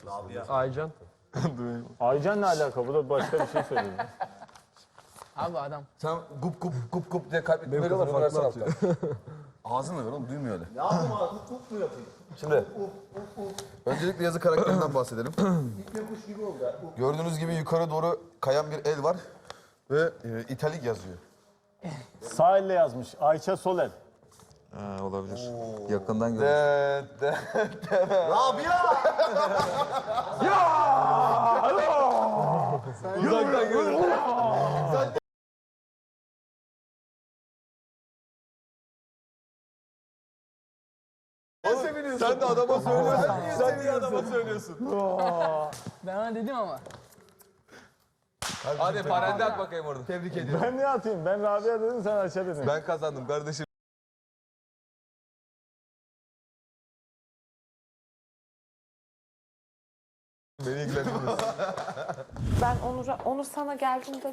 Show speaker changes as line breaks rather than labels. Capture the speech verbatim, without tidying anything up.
Aycan.
Aycan ne alaka? Bu da başka bir şey söyledi.
Abi adam.
Sen gup gup gup gup diye kalp
Benim
etmeleri var.
kadar
Onu
farklı
versene
atıyor.
alttan. Ağzını ver oğlum duymuyor öyle.
Ne yapayım abi? Hukuk mu yapayım?
Şimdi öncelikle yazı karakterinden bahsedelim.
İple kuş gibi oldu ya. Hukuk.
Gördüğünüz gibi yukarı doğru kayan bir el var ve e, italik yazıyor.
Sağ elle yazmış. Ayça Soler.
Ha, olabilir. Yakından görmüş.
De, de,
Rabia!
uzaktan görüyorum. Sen de adama söylüyorsun. Sen niye adama söylüyorsun?
Ben ona dedim ama.
Hadi parende at bakayım orada.
Tebrik ediyorum.
Ben ne atayım? Ben Rabia dedim, sen Ayça dedin.
Ben kazandım kardeşim. Beni ilgilendirmez.
Ben Onur'a, Onur sana geldiğinde